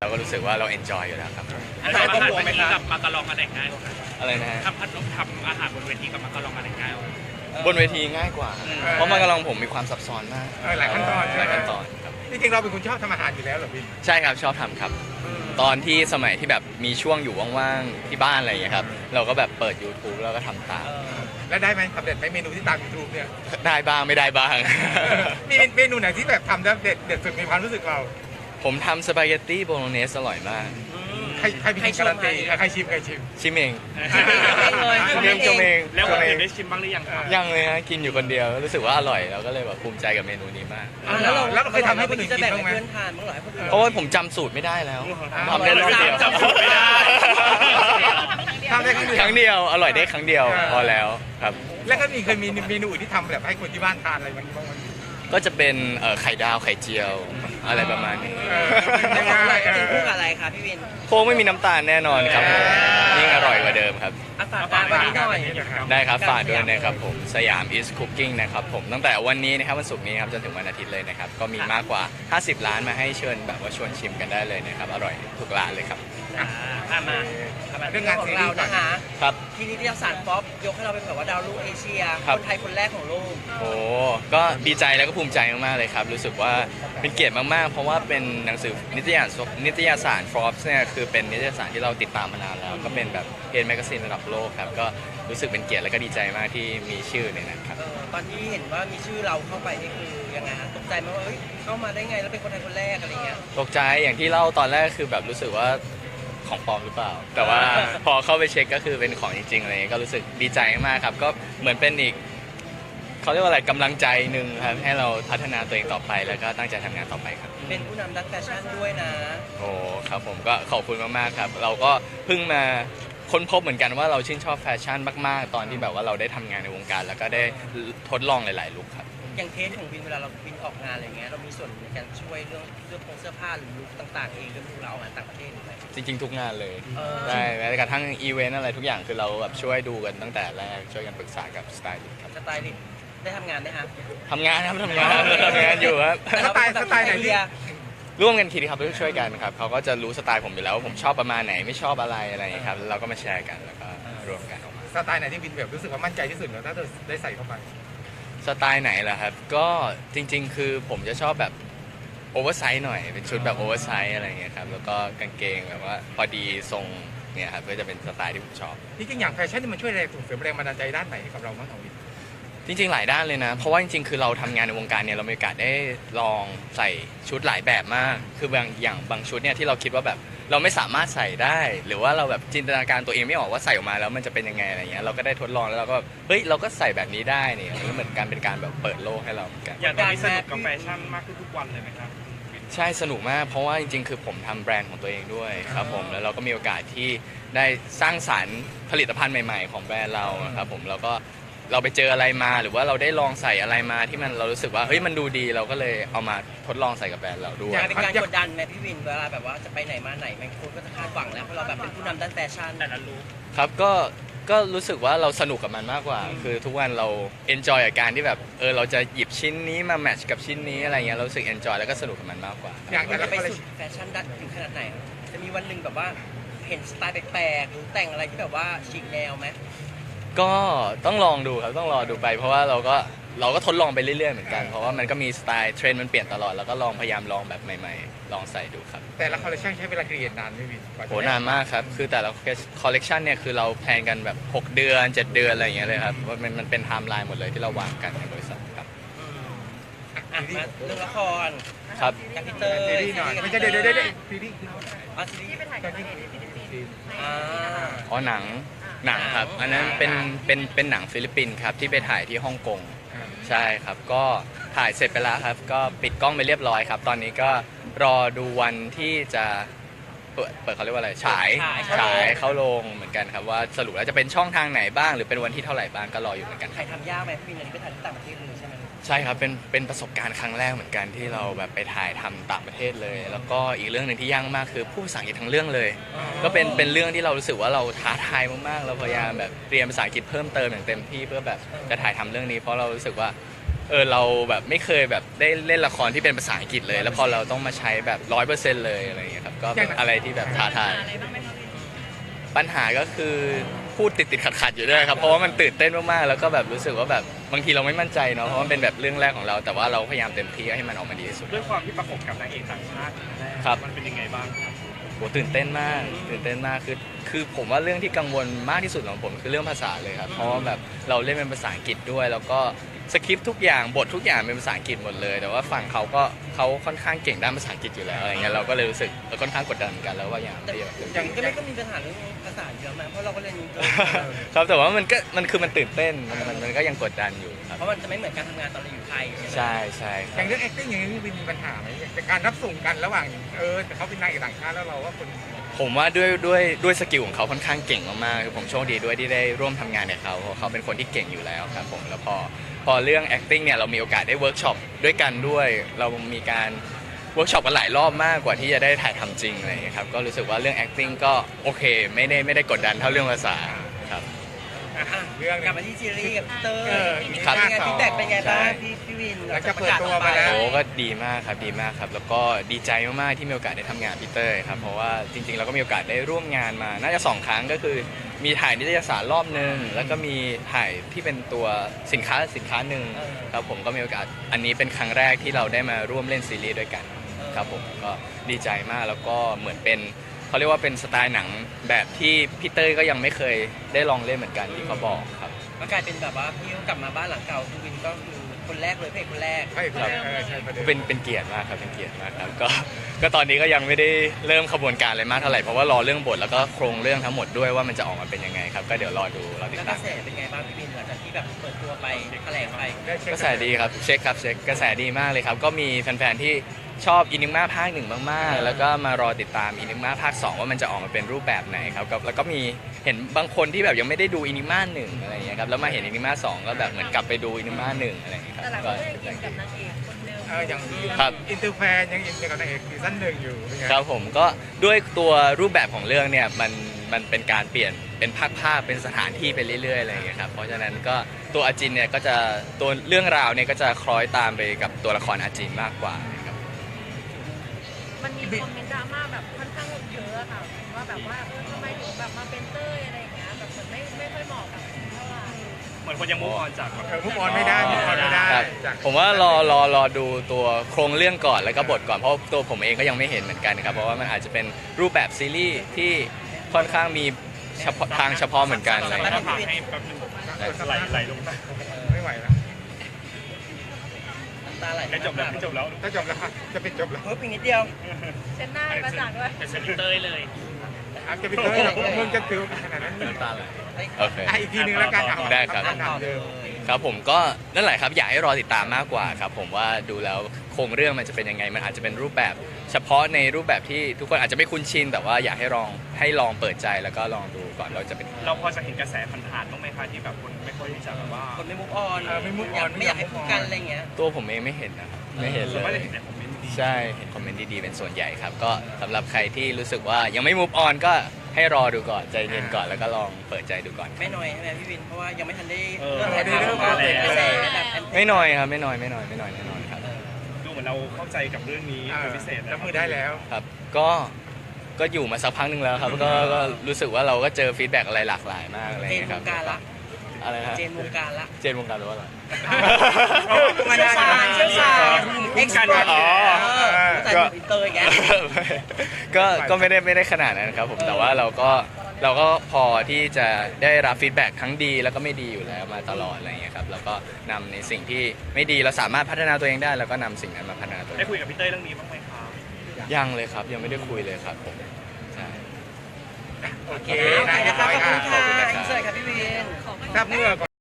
เราก็รู้สึกว่าเราเอนจอยอยู่แล้วครับอาหารบนเวทีกับมาการองอันไหนง่ายกว่ากันอะไรนะฮะทำอาหารบนเวทีกับมาการองอันไหนง่ายกว่ากันบนเวทีง่ายกว่าเพราะมันกำลังผมมีความซับซ้อนมากหลายขั้นตอนหลายขั้นตอนครับจริงๆเราเป็นคนชอบทำอาหารอยู่แล้วเหรอพี่ใช่ครับชอบทำครับ ตอนที่สมัยที่แบบมีช่วงอยู่ว่างๆที่บ้านอะไรอย่างเงี้ยครับเราก็แบบเปิด YouTube แล้วก็ทำตามแล้วได้ไหมสำเร็จไหมเมนูที่ตามยูทูบเนี่ยได้บ้างไม่ได้บ้างมีเมนูไหนที่แบบทำแล้วเด็ดสุดในความรู้สึกเราผมทำสปาเกตตี้โบโลเนสอร่อยมากใครเป็นคนการันตีใครชิมชิมเองเลยชิมเองชมเองแล้วชคนมเออื่งนได้ชิมบ้างหรือยังครับยังเลยฮะกินอยู่คนเดียวรู้สึกว่าอร่อยเราก็เลยแบบภูมิใจกับเมนูนี้มากแล้วเราเคยทำให้คนอื่นจะกินแบ่งบ้างไหมให้เพื่อนทานบ้างเหรอให้คนอื่นเพราะว่าผมจำสูตรไม่ได้แล้วทำได้รอบเดียวจำสูตรไม่ได้ทำได้ครั้งเดียวครั้งเดียวอร่อยได้ครั้งเดียวพอแล้วครับแล้วก็เคยมีเมนูอื่นที่ทำแบบให้คนที่บ้านทานอะไรบ้างไหมก็จะเป็นไข่ดาวไข่เจียวอะไรประมาณนี้แล้วของอะไรกินคู่กับอะไรคะพี่วินโค้งไม่มีน้ำตาลแน่นอนครับผมยิ่งอร่อยกว่าเดิมครับอาฝากการวันนี้หน่อยได้ครับฝากด้วยนะครับผมสยาม is cooking นะครับผมตั้งแต่วันนี้นะครับวันศุกร์นี้ครับจนถึงวันอาทิตย์เลยนะครับก็มีมากกว่า 50 ร้านมาให้เชิญแบบว่าชวนชิมกันได้เลยนะครับอร่อยทุกร้านเลยครับมาเรื่องงานของเรานะคะครับที่นิตยสารป๊อปยกให้เราเป็นแบบว่าดาวรุ่งเอเชียครับคนไทยคนแรกของโลกโอ้ก็ดีใจแล้วก็ภูมิใจมากๆเลยครับรู้สึกว่าเป็นเกียรติมากๆ เพราะว่าเป็นหนังสือนิตยสาร Forbes เนี่ยคือเป็นนิตยสารที่เราติดตามมานานแล้ว ก็เป็นแบบเพจแมกกาซีนระดับโลกครับก็รู้สึกเป็นเกียรติและก็ดีใจมากที่มีชื่อในนั้นครับตอนที่เห็นว่ามีชื่อเราเข้าไปนี่คือยังไงฮะตกใจไหมว่าเอ้ยเข้ามาได้ไงแล้วเป็นคนไทยคนแรกอะไรเงี้ยตกใจอย่างที่เล่าตอนแรกคือแบบรู้สึกว่าของปลอมหรือเปล่า แต่ว่าพอเข้าไปเช็คก็คือเป็นของจริงๆอะไรเงี้ยก็รู้สึกดีใจมากครับก็เหมือนเป็นอีกเขาเรียกว่าอะไรกำลังใจหนึ่งครับให้เราพัฒนาตัวเองต่อไปแล้วก็ตั้งใจทำงานต่อไปครับเป็นผู้นำด้านแฟชั่นด้วยนะโอ้ครับผมก็ขอบคุณมากๆครับเราก็เพิ่งมาค้นพบเหมือนกันว่าเราชื่นชอบแฟชั่นมากๆ ตอนที่แบบว่าเราได้ทำงานในวงการ แล้วก็ได้ทดลองหลายๆลุคครับอย่างเทสของวินเวลาเราวินออกงานอะไรเงี้ยเรามีส่วนในการช่วยเรื่องเสื้อผ้าหรือลุคต่างๆเองเรื่องเราออกงานต่างประเทศหรือไงจริงๆทุกงานเลยเออได้แม้กระทั่งอีเวนต์อะไรทุกอย่างคือเราแบบช่วยดูกันตั้งแต่แรกช่วยกันปรึกษากับสไตลิสต์ครับสไตลิสต์ได้ทำงานไหมฮะทำงานครับทำงานทำงานอยู่ครับแต่เราเป็นแบบไอเดียร่วมกันคิดครับช่วยกันครับเขาก็จะรู้สไตล์ผมอยู่แล้วว่าผมชอบประมาณไหนไม่ชอบอะไรอะไรอย่างเงี้ยครับเราก็มาแชร์กันแล้วก็รวมกันออกมาสไตล์ไหนที่วินแบบรู้สึกว่ามั่นใจที่สุดแล้วถ้าเธอได้ใส่เข้าไปสไตล์ไหนล่ะครับก็จริงๆ คือผมจะชอบแบบโอเวอร์ไซส์หน่อยเป็นชุดแบบโอเวอร์ไซส์อะไรอย่างเงี้ยครับแล้วก็กางเกงแบบว่าพอดีทรงเนี่ยครับก็จะเป็นสไตล์ที่ผมชอบจริงๆอย่างแฟชั่นนี่มันช่วยแรงส่งเสริมแรงบันดาลใจด้านไหนให้กับเราบ้างของวินจริงๆ หลายด้านเลยนะ เพราะว่าจริงๆ คือเราทำงานในวงการเนี่ยเรามีโอกาสได้ลองใส่ชุดหลายแบบมาก คืบางชุดเนี่ยที่เราคิดว่าแบบเราไม่สามารถใส่ได้ หรือว่าเราแบบจินตนาการตัวเองไม่ออกว่าใส่ออกมาแล้วมันจะเป็นยังไงอะไรเงี้ย เราก็ได้ทดลองแล้วเราก็เฮ้ยเราก็ใส่แบบนี้ได้เนี่ยมันก็เหมือนการเป็นการแบบเปิดโลกให้เราเหมือนกันอย่างตอนนี้สนุกกับแฟชั่นมากขึ้นทุกวันเลยไหมครับใช่สนุกมากเพราะว่าจริงๆ คือผมทำแบรนด์ของตัวเองด้วยครับผมแล้วเราก็มีโอกาสที่ได้สร้างสรรค์ผลิตภัณฑ์ใหม่ๆ ของแบรนด์เราครับผมแล้วก็เราไปเจออะไรมาหรือว่าเราได้ลองใส่อะไรมาที่มันเรารู้สึกว่าเฮ้ยมันดูดีเราก็เลยเอามาทดลองใส่กับแบรนด์เราด้วยเป็นการกดดันไหมพี่วินเวลาแบบว่าจะไปไหนมาไหนบางคนก็จะคาดหวังแล้วเพราะเราแบบเป็นผู้นำด้านแฟชั่นแต่ละลุคครับก็รู้สึกว่าเราสนุกกับมันมากกว่า คือทุกวันเราเอนจอยกับการที่แบบเราจะหยิบชิ้นนี้มาแมทช์กับชิ้นนี้อะไรเงี้ยเรารู้สึกเอนจอยแล้วก็สนุกกับมันมากกว่าอย่างมันแต่จะละไปคอลเลคสุชั่ดนแฟชั่นด้านถึงขนาดไหนจะมีวันหนึ่งแบบว่าเห็นสไตล์แปลกๆหรือแต่งอะไรที่แบบว่าฉีกแนวไหมก็ต้องลองดูครับต้องรอดูไป เพราะว่าเราก็ทดลองไปเรื่อยๆเหมือนกันเพราะว่ามันก็มีสไตล์เทรนด์มันเปลี่ยนตลอดแล้วก็ลองพยายามลองแบบใหม่ๆ ลองใส่ดูครับแต่ละคอลเลคชั่นใช้เวลาเรียนนานไหมวินกว่าจะโหนานมากครับคือแต่ละคอลเลกชันเนี่ยคือเราแพลนกันแบบ6 เดือน 7 เดือนอะไรอย่างเงี้ยเลยครับว่ามันเป็นไทม์ไลน์หมดเลยที่เราวางกันในบริษัทครับอ่ะมาเรื่องละครครับกับพี่เตอร์ซีรีส์หน่อยไม่ใช่เดี๋ยวซีรีส์อ๋อซีรีส์ อ่าอ๋อหนังครับอันนั้นเป็นหนังฟิลิปปินส์ครับที่ไปถ่ายที่ฮ่องกงใช่ครับก็ถ่ายเสร็จไปแล้วครับก็ปิดกล้องไปเรียบร้อยครับ ตอนนี้ก็รอดูวันที่จะเปิดเขาเรียกว่าอะไรฉายเข้าโรงเหมือนกันครับว่าสรุปแล้วจะเป็นช่องทางไหนบ้างหรือเป็นวันที่เท่าไหร่บ้างก็รออยู่เหมือนกันคใครรับทำยากไหมพี่วินอันนี้ไปถ่ายที่ต่างประเทศเลยใช่ไหมใช่ครับเป็นประสบการณ์ครั้งแรกเหมือนกันที่เราแบบไปถ่ายทำต่างประเทศเลย แล้วก็อีกเรื่องหนึ่งที่ยากมากคือผู้ภาษาอังกฤษทั้งเรื่องเลย ก็เป็นเรื่องที่เรารู้สึกว่าเราท้าทายมากๆเราพยายามแบบเรียนภาษาอังกฤษเพิ่มเติมอย่างเต็มที่เพื่อแบบจะถ่ายทำเรื่องนี้ เพราะเรารู้สึกว่าเราแบบไม่เคยแบบได้เล่นละครที่เป็นภาษาอังกฤษเลย แล้วพอเราต้องมาใช้แบบ100%เลยอะไรอย่างเงี้ยครับก็เป็นอะไรที่แบบท้าทายอะไรบ้างไหมคะพี่ปัญหาก็คือพูดติดขัดอยู่ด้วยครับเพราะว่ามันตื่นเต้นมากๆแล้วก็แบบรู้สึกว่าแบบบางทีเราไม่มั่นใจเนาะเพราะมันเป็นแบบเรื่องแรกของเราแต่ว่าเราพยายามเต็มที่ให้มันออกมาดีที่สุดด้วยความที่ประกบกับนางเอกต่างชาติครับมันเป็นยังไงบ้างครับโหตื่นเต้นมากคือผมว่าเรื่องที่กังวลมากที่สุดของผมคือเรื่องภาษาเลยครับเพราะว่าแบบเราเล่นเป็นภาษาอังกฤษด้วย แล้วก็สคริปต์ทุกอย่างบททุกอย่างเป็นภาษาอังกฤษหมดเลย แต่ว่าฝั่งเขาค่อนข้างเก่งด้านภาษาอังกฤษอยู่แล้วอะไรเงี้ยเราก็เลยรู้สึกค่อนข้างกดดันเหมือนกันแล้วว่าอย่างแต่ที่แบบอย่างก็ไม่ก็มีปัญหาเรื่องภาษาเยอะมากเพราะเราก็เรียนอินเตอร์ครับแต่ว่ามันตื่นเต้นมันก็ยังกดดันอยู่ครับเพราะมันจะไม่เหมือนการทำงานตอนเราอยู่ไทยใช่คอรัย่างบเรื่อง acting อย่างนี้วินมีปัญหาไหมแต่การรับส่งกันระหว่างแต่เขาเป็นนางเอกต่างชาติแล้วเราว่าคนผมว่าด้วยสกิลของเขาค่อนข้างเก่งมากๆคือผมโชคดีด้วยที่ได้ร่วมทำงานกับเขาเพราะเขาเป็นคนที่เก่งอยู่แล้วครับผมแล้วพอเรื่อง acting เนี่ยเรามีโอกาสได้เวิร์กช็อปด้วยกันด้วย เรามีการเวิร์กช็อปกันหลายรอบมากกว่าที่จะได้ถ่ายทำจริงอะไรอย่างเงี้ยครับก็รู้สึกว่าเรื่อง acting ก็โอเคไม่ได้กดดันเท่าเรื่องภาษาครับเรื่องกลับมาที่ซีรีส์กับเตอร์ครับเป็นไงพี่แตกเป็นไงบ้างใช่พี่วินหลังจากเปิดตัวมาแล้วโอ้ก็ดีมากครับดีมากครับแล้วก็ดีใจมากๆที่มีโอกาสได้ทำงานกับพีเตอร์ครับเพราะว่าจริงๆเราก็มีโอกาสได้ร่วมงานมาน่าจะ2 ครั้งก็คือมีถ่ายนิตยสารรอบนึงแล้วก็มีถ่ายที่เป็นตัวสินค้าหนึ่งครับผมก็มีโอกาสอันนี้เป็นครั้งแรกที่เราได้มาร่วมเล่นซีรีส์ด้วยกันครับผมก็ดีใจมากแล้วก็เหมือนเป็นเขาเรียกว่าเป็นสไตล์หนังแบบที่พีเตอร์ก็ยังไม่เคยได้ลองเล่นเหมือนกันที่เขาบอกครับก็กลายเป็นแบบว่าพี่กลับมาบ้านหลังเก่าพี่วินก็คือคนแรกเลยพระเอกคนแรกใช่ใช่ประเด็นเป็นเกียรติมากครับเป็นเกียรติมากครับก็ตอนนี้ก็ยังไม่ได้เริ่มขบวนการอะไรมากเท่าไหร่เพราะว่ารอเรื่องบทแล้วก็โครงเรื่องทั้งหมดด้วยว่ามันจะออกมาเป็นยังไงครับก็เดี๋ยวรอติดแล้วกตาระมแสเป็นไงบ้างพี่วินหลังจากที่แบบเปิดตัวไปแถลงไปได้เช็คกระแสดีครับเช็คกระแสดีมากเลยครับก็มีแฟนๆที่ชอบอินิม่าภาค 1มากๆแล้วก็มารอติดตามอินิม่าภาค 2ว่ามันจะออกมาเป็นรูปแบบไหนครับแล้วก็มีเห็นบางคนที่แบบยังไม่ได้ดูอินิม่า1อะไรอย่างเงี้ยครับแล้วมาเห็นอินิม่า2ก็แบบเหมือนกลับไปดูอินิม่า1อะไรอย่างเงี้ยครับแต่หลายคก็นก็ยังอินกับนางเอกคนเดิมอย่างครับอินเตอร์แฟนยังอินกับนางเอกซีซั่น1อยู่เป็นไงครับผมก็ด้วยตัวรูปแบบของเรื่องเนี่ยมันเป็นการเปลี่ยนเป็นภาคเป็นสถานที่ไปเรื่อยๆอะไรอย่างเงี้ยครับเพราะฉะนั้นก็ตัวอาจินเนี่ยก็จะตัวเรื่องราวเนี่ยก็จะคล้อยตามไปกับตัวละครอาจินมากกว่านะครับมันมีคอมเมนต์ดราม่าแบบค่อนข้างเยอะอะค่ะว่าแบบว่าทำไมถึงแบบมาเป็นเต้ยอะไรอย่างเงี้ยแบบเหมือนไม่ค่อยเหมาะกับเท่าไหร่เหมือนคนยังมุ่งออนจากแบบมุกออนไม่ได้มุกออนไม่ได้ครับจากผมว่ารอดูตัวโครงเรื่องก่อนแล้วก็บทก่อนเพราะตัวผมเองก็ยังไม่เห็นเหมือนกันครับเพราะว่ามันอาจจะเป็นรูปแบบซีรีส์ที่ค่อนข้างมีเฉพาะทางเฉพาะเหมือนกันอะไรอย่างแล้เงี้วย ก็ผ่านให้แป๊บนึงไหลลงมาไม่ไหวแล้วน้ำตาไหลใกล้จบแล้วใกล้จบแล้วถ้าจบแล้วจะเป็นจบแล้วเพิ่มอีกนิดเดียวเช็ดหน้าให้ประจักษ์ด้วยเป็นสนิเตอร์เลยจะเป็นเลยมึงจะถือขนาดนั้นน้ำตาไหลโอเคอีกทีนึงแล้วกันได้ครับคำถามเดิมครับผมก็นั่นแหละครับอยากให้รอติดตามมากกว่าครับผมว่าดูแล้วโครงเรื่องมันจะเป็นยังไงมันอาจจะเป็นรูปแบบเฉพาะในรูปแบบที่ทุกคนอาจจะไม่คุ้นชินแต่ว่าอยากให้ลองเปิดใจแล้วก็ลองดูก่อนว่าจะเป็นเราพอจะเห็นกระแสผ่านๆบ้างไหมคะที่แบบคนไม่ค่อยที่จะแบบว่าคนไม่มุกออนไม่ move on ไม่อยากให้พูดกันอะไรเงี้ยตัวผมเองไม่เห็นนะครับไม่เห็นส่วนมากเลจะยเห็นในคอมเมนต์ดีใช่เห็นคอมเมนต์ดีๆเป็นส่วนใหญ่ครับก็สำหรับใครที่รู้สึกว่ายังไม่ move on ก็ให้รอดูก่อนใจเย็นก่อนแล้วก็ลองเปิดใจดูก่อนไม่น้อยใช่ไหมพี่วินเพราะว่ายังไม่ทันได้เริ่มถ่ายทำเริ่มกระแสแบบไม่น้อยครับไม่น้อยแน่นอนครับดูเหมือนเราเข้าใจกับเรื่องนี้เป็นพิเศษรับมือได้แล้วครับก็อยู่มาสักพักหนึ่งแล้วครับก็รู้สึกว่าเราก็เจอฟีดแบ็กอะไรหลากหลายมากอะไรเจอน ย่างเงี้ยว ครังบการละอะไรฮะเจนวงการละเจนวงการหรือว่าอะไรเชี่ยวชาญเอ็กซ์พอร์ตอ๋อแต่อินเตอร์แกก็ไม่ได้ขนาดนั้นครับผมแต่ว่าเราก็พอที่จะได้รับฟีดแบ็กทั้งดีแล้วก็ไม่ดีอยู่แล้วมาตลอดอะไรอย่างเงี้ยครับแล้วก็นำในสิ่งที่ไม่ดีเราสามารถพัฒนาตัวเองได้แล้วก็นำสิ่งนั้นมาพัฒนาตัวเอได้งคุยกับพี่เต้ยเรื่องนี้บ้างไหมครับยังเลยครับยังไม่ได้คุยเลยครับผมใช่โอเคโอเคนะครับขอบคุณขอบคุณค่ะนะครับอินเสิร์ตครับพี่วินถ้าเมื่อ